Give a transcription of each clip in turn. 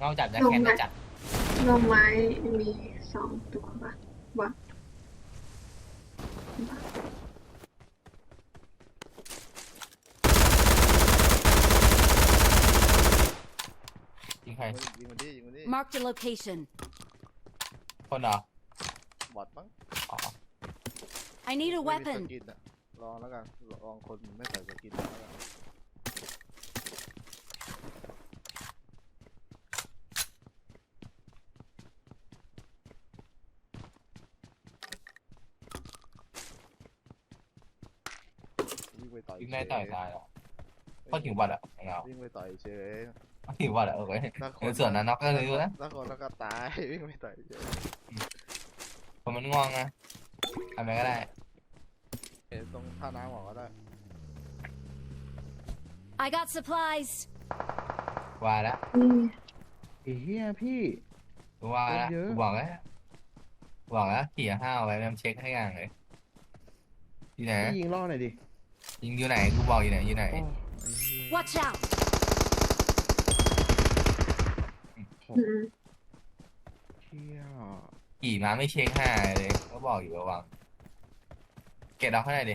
นอกจากจะลงไม้แค้นจะจัดลงไม้มี2 ตัวปะวะยิงใครยิงมันดิยิงมันดิ Marked a location. คนเหรอบอดมั้งอ๋อ I need a ไม่มีส weapon. กินอะลองแล้วกันลองคนไม่ใส่สกินแล้วกันวิ่งไปต่อยยิงเฉได้ยต่อยตายหรอเขาถึงบัตรอ่ะของเราวิ่งไปต่อยเฉยเขาถึงบัตรอ่ะโอเคถ้าคในส่วนนั้นน็อกก็เลยนะถ้าคนแล้วก็ตาย วิ่งไปต่อยเฉยผมมันง่วงนะทำอะไรก็ได้เห็นตรงท่าน้ำหมอก็ได้ I got supplies. ว่าแล้วนี่ไอ้เหี้ยพี่ว่าแล้วเยอะกูบอกแล้วขี่ห้าวไว้แม่งเช็คให้อย่างเลยอยู่ไหนพี่ยิงล่อหน่อยดิยิงอยู่ไหนกูบอกอยู่ไหนอยู่ไหนโอ้ไอ้เหี้ย Watch out. เหี้ยขี่มาไม่เช็คห้าเลยก็บอกอยู่ระวังเก็บเราข้างในดิ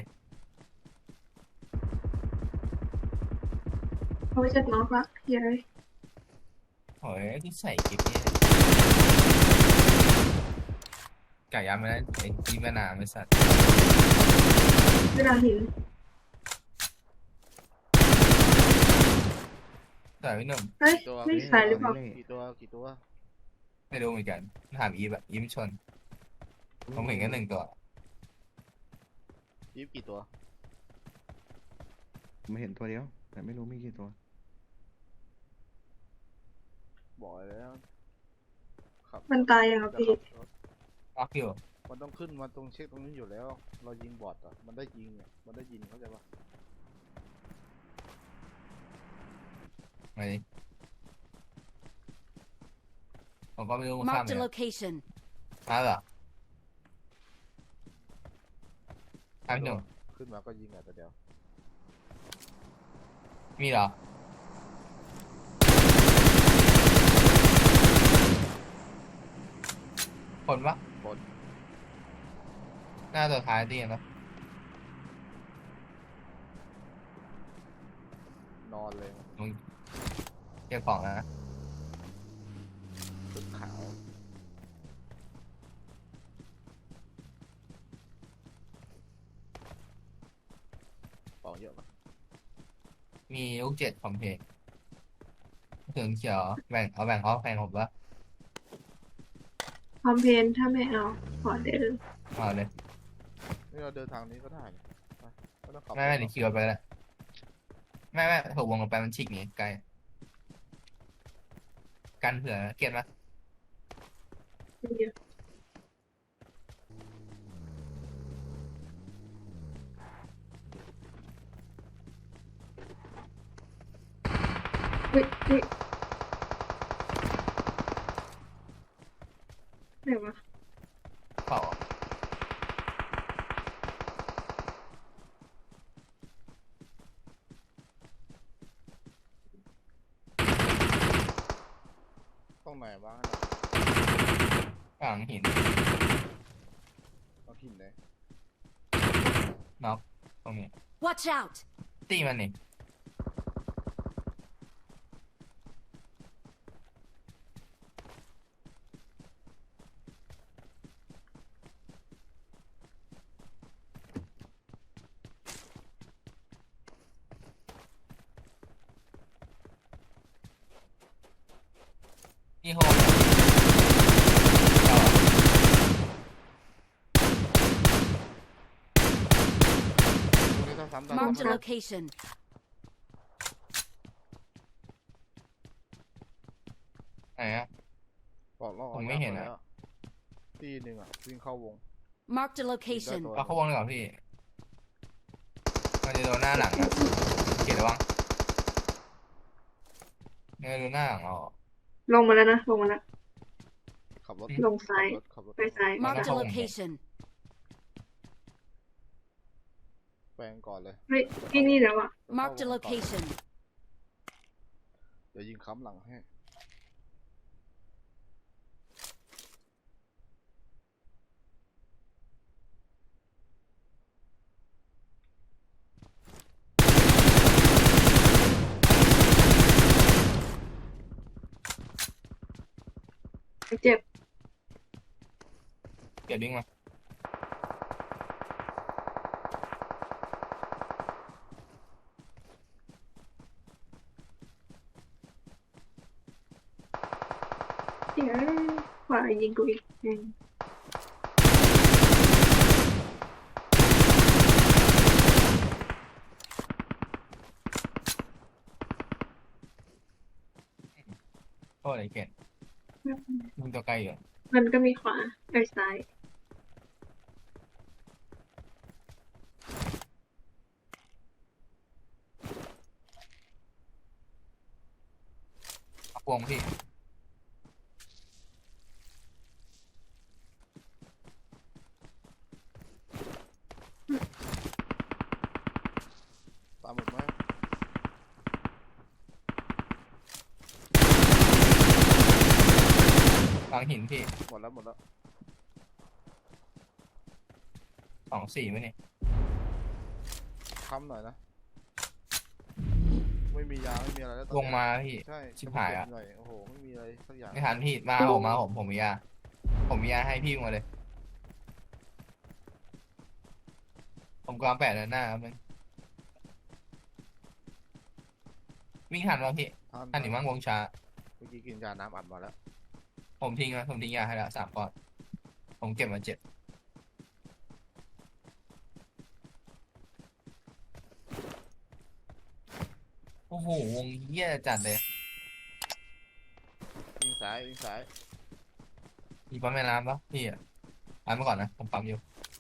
เขาจะน็อกละเย้ยโอ้ยกูใส่กิ๊บเนี่ยไก่ย่างไม่ได้ไอ้กิ๊บมานานไม่สัตว์เวลาหินใส่ไม่หนุ่มเฮ้ยไม่ใส่หรือเปล่ากี่ตัวไม่รู้เหมือนกันถามอีฟอะอีฟชนผมเห็นแค่1 ตัวยิบกี่ตัวผมเห็นตัวเดียว แต่ไม่รู้มีกี่ตัวบอกแล้วขับมันตายยังอ่ะจะพี่ขับรถล็อกอยู่มันต้องขึ้นมาตรงเช็คตรงนี้อยู่แล้ว เรายิงบอทอ่ะมันได้ยิงอ่ะมันได้ยิงเข้าใจปะมาดิผมก็ไม่รู้มันข้าม Marked เนี่ a ย location. มาเหรอข้ามหนุ่มขึ้นมาก็ยิงอ่ะแต่เดียวมีเหรอคนปะบนหน้าตัวท้ายตีนปะนอนเลยมึงเก็บของนะชุดขาวของเยอะปะมีลูก7คอมเพลตถึงเขียวแบ่งเอาแพงผมปะคอมเพนถ้าไม่เอาขอเดินเอาเลยนี่เราเดินทางนี้ก็ได้นี่ไปไม่ต้องขับไม่เดี๋ยวขี่ไปแล้วไม่ถูกวงลงไปมันฉีกหนีไกลกันเผื่อเก็บปะเยอะเฮ้ยไหนวะเปล่าต้องไหนบ้างกลางหินต้องหินเลยน็อกตรงนี้ Watch out. ตีมันนี่นี่โฮมตรงนี้ต้องซ้ำตาม Marked a location. ไหนอะบอกล่อผมไม่เห็นอะที่หนึ่งอ่ะวิ่งเข้าวง Marked a location. เอาเข้าวงเลยก่อนพี่มันจะโดนหน้าหลังอะเกียรติระวังเนี่ยโดนหน้าหลังเอาลงมาแล้วนะลงมาแล้วขับรถลงซ้ายขับรถไปซ้าย Marked a location. แปลงก่อนเลยเฮ้ยที่นี่แล้วอ่ะ Marked a location. เดี๋ยวยิงค้ำหลังให้เจ็บเก็บดิ้งมาเดี๋ยวขวายิงกูอีกแม่งโทษไอ้เกดมึงตัวไกลอยู่มันก็มีขวาไอ้ซ้ายเอาพวงพี่ตามหมดไหมวางหินพี่หมดแล้วหมดแล้ว 2-4ไหมเนี่ยค้ำหน่อยนะ ไม่มียาไม่มีอะไรแล้วตอนวงเนี้ยมาพี่ใช่ชิบหายอะจเก็บหน่อยโอ้โหไม่มีอะไรสักอย่างไม่ทันพี่มาผมมียา ผมมียาให้พี่มาเลย ผมกำลังแปะเดินหน้าครับมึงวิ่งทันวะพี่ทันหรือมั่งวงช้าเมื่อกี้กินยาน้ำอัดมาแล้วผมทิ้งยาให้แล้ว3 ก้อน ผมเก็บมา7โอ้โห วงเหี้ยจัดเลยวิ่งซ้ายวิ่งซ้ายมีปั๊มแม่น้ำปะพี่อ่ะปั๊มมาก่อนนะ ผมปั๊มอยู่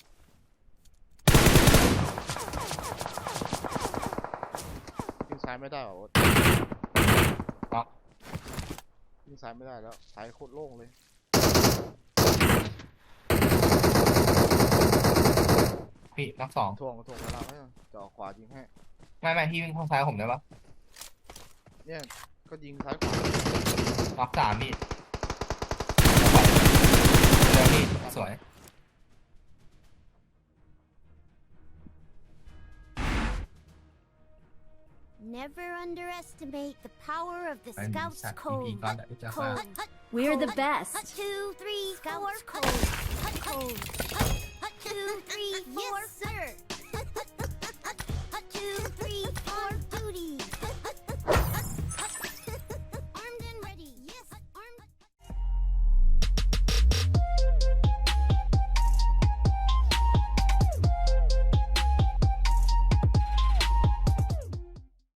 วิ่งซ้ายไม่ได้เหรอโอ๊ตน็อกวิ่งซ้ายไม่ได้แล้วซ้ายโคตรโล่งเลยพี่น็อก2 ถ่วงเวลาให้จะออกขวายิงให้ไม่พี่วิ่งเข้าซ้ายผมได้ปะเนี่ยก็ยิงซ้ายขวาน็อก3พี่เดี๋ยวพี่สวย Never underestimate the power of the ไอ้ Scouts สัตว์ Code. พี่ก้อนแบบจะฟา Code. We're the Code. best. 2, 3, 4. Code. Code. 2, 3, 4. Yes, sir.